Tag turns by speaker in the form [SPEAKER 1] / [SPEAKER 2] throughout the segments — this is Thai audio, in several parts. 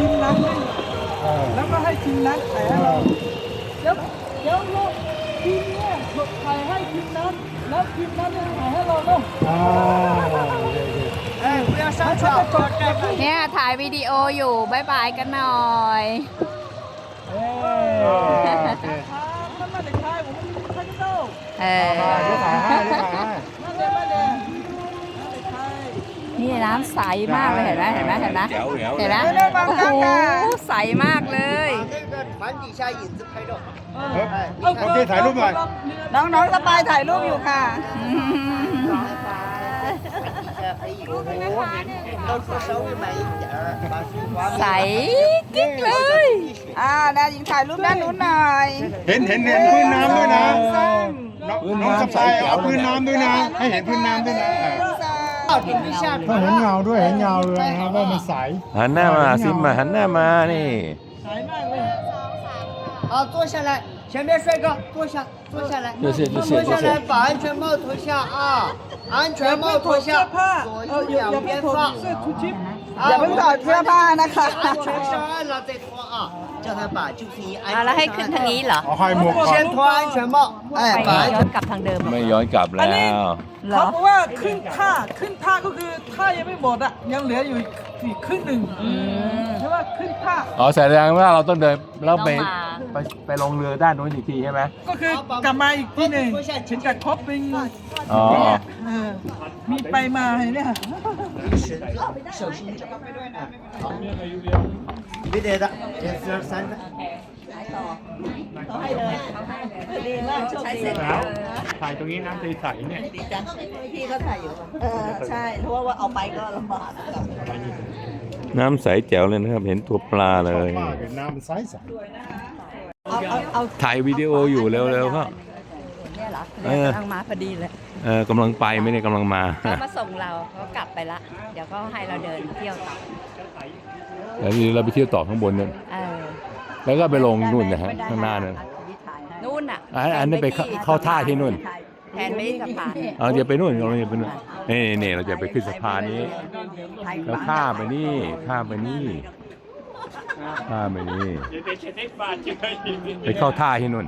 [SPEAKER 1] ทีมนั้นให้แล้วก็ให้ทีมนั้นถ่ายให้เราเดี๋ยวลูกทีมเนี่ยถ่ายให้ทีมนั้นแล้วทีมนั้นจะถ่ายให้เราเนาะ
[SPEAKER 2] เนี่ยถ่ายวิดีโออยู่บายบายกันหน่อย
[SPEAKER 1] ท่านมาเด็กชายผมท่านเจ้า
[SPEAKER 2] นี่น้ำใสมากเลยเห็นไหมเห็นไหมโอ้โหใสมากเลย
[SPEAKER 3] โอเคถ่ายรูปหน่อย
[SPEAKER 1] น้องสบายถ่ายรูปอยู่ค่ะ
[SPEAKER 2] ใสกิ๊กเลย
[SPEAKER 1] ดาหญิงถ่ายรูปด้านนู้นหน่อย
[SPEAKER 3] เห็นพื้นน้ำด้วยนะน้องสบายเอาพื้นน้ำด้วยนะให้เห็นพื้นน้ำด้วยนะก็เห็นเงาด้วยเห็นเงาเลยนะครับว่ามันใส
[SPEAKER 4] หันหน้ามาซิมมาหันหน้ามานี่
[SPEAKER 1] ใสมากเลย
[SPEAKER 5] 好，坐下来，前面帅哥，坐下来，坐下来，把安全帽脱下啊，安全帽脱下，左右两边放，
[SPEAKER 1] อย่าเพิ่งถอดเสื้อผ้านะคะ
[SPEAKER 5] 安全上岸了再脱啊，叫他把就是安全
[SPEAKER 2] แล้วให้ขึ้นทางนี้เหรอ
[SPEAKER 3] เอาให้หมวก
[SPEAKER 5] 先脱安全帽，哎，把安
[SPEAKER 2] ย้อนกลับทางเดิม
[SPEAKER 4] ไม่ย้อนกลับแล้ว
[SPEAKER 1] เขาบอกว่าขึ้นท่าก็คือท่ายังไม่หมดอ่ะยังเหลืออยู่อีกครึ่งหนึ่งใช่ว่าขึ้นท่า
[SPEAKER 4] แสดงว่าเราต้องเดินแล้วไปลงเรือด้านนู้นอีกทีใช่ไหม
[SPEAKER 1] ก็คือกลับมาอีกทีหนึ่งถึงกับครบเป็นมีไปมาเนี่ย
[SPEAKER 5] 别得的，1、2、3个。
[SPEAKER 1] เขาให้เลยดีมากใช้เสร็จ
[SPEAKER 3] ถ่ายตรงนี้น้ำใสๆเนี่ย
[SPEAKER 1] ดีจังพี่เขาถ่ายอยู่ใช่เพราะว่าเอาไปก็ลำบาก
[SPEAKER 4] น้ำใสแจ๋วเลยนะครับเห็นตัวปลาเลย
[SPEAKER 3] เห็นน้ำใส
[SPEAKER 1] เอา
[SPEAKER 4] ถ่ายวิดีโออยู่เร็วๆครับ
[SPEAKER 2] เนี่ยเหรอกำลังมาพอดีเลย
[SPEAKER 4] กำลังไปไม่ได้กำลังมา
[SPEAKER 2] เขามาส่งเราเขากลับไปละเดี๋ยวก็ให้เราเดินเที่ยวต่อ
[SPEAKER 4] แล้วเราไปเที่ยวต่อข้างบนนั่นแล้วก็ไปลงนู่นนะฮะข้างหน้านั่น
[SPEAKER 2] นู่นอ่ะ
[SPEAKER 4] อันนี้ไปเข้าท่าที่นู่น
[SPEAKER 2] แทนไม่สะพาน
[SPEAKER 4] จะไปนู่นเราจะไปนู่นนี่เราจะไปขึ้นสะพานนี้แล้วข้ามไปนี่ไปเข้าท่าที่นู่น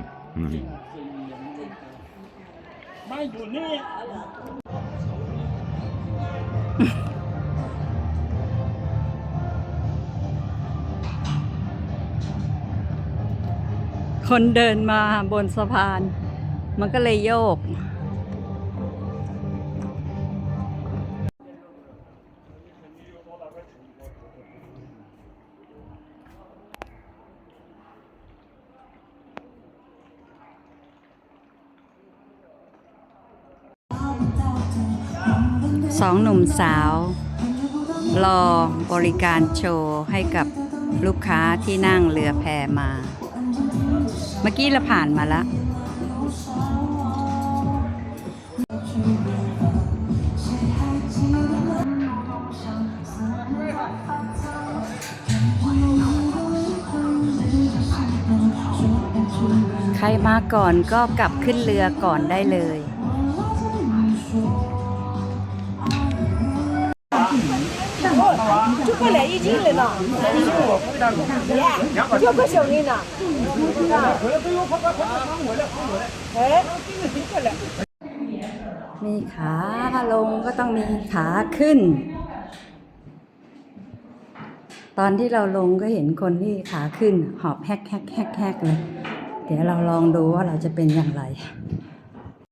[SPEAKER 1] ไม่อยู่นี่
[SPEAKER 2] คนเดินมาบนสะพานมันก็เลยโยกสองหนุ่มสาวรอบริการโชว์ให้กับลูกค้าที่นั่งเรือแพมาเมื่อกี้เราผ่านมาแล้วใครมาก่อนก็กลับขึ้นเรือก่อนได้เลย
[SPEAKER 1] 就过来一斤了呢，就个小人呢。
[SPEAKER 2] มีขาลงก็ต้องมีขาขึ้นตอนที่เราลงก็เห็นคนที่ขาขึ้นหอบแฮกเลยเดี๋ยวเราลองดูว่าเราจะเป็นอย่างไร